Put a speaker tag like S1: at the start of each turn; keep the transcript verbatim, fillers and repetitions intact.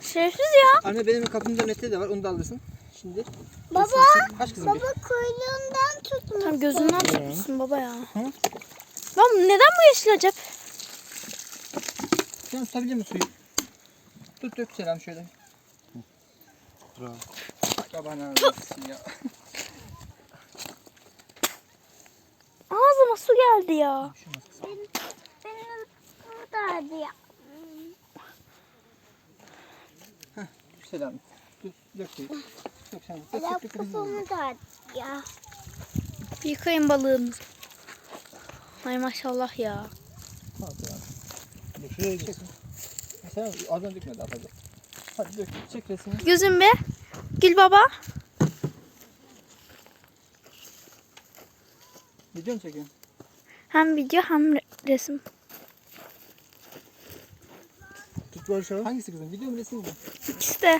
S1: Şerefsiz ya.
S2: Anne benim kapımda nette de var. Onu da alırsın. Şimdi.
S3: Baba,
S2: Kaç kızım?
S3: baba
S2: Bir.
S3: kuyruğundan tutmuş.
S1: Tam gözünden tutmuşsun baba ya.
S2: Hı?
S1: Lan neden bu yeşil acaba?
S2: Sen tutabilir misin suyu? Tut dök Selam şöyle.
S4: Bravo.
S2: Babana almışsın ya.
S1: Ağzıma su geldi ya.
S3: Benim, benim buradaydı ya.
S2: Selam. Tut dök suyu. Dök sen. Dök
S3: Ela
S2: dök dök. kızım.
S3: kafamı da ya.
S1: Bir yıkayın balığımızı. Ay maşallah ya.
S2: Al Selam.
S4: Dur şuraya
S2: Çek.
S4: git.
S2: Selam ağzına dökme daha fazla. Hadi dök. Çek resmini.
S1: Gözüm be. Gül baba.
S2: Video mu çekiyorsun?
S1: Hem video hem re- resim.
S4: Tut Barış abi.
S2: Hangisi kızım? Video mu resim mi?
S1: İkisi de.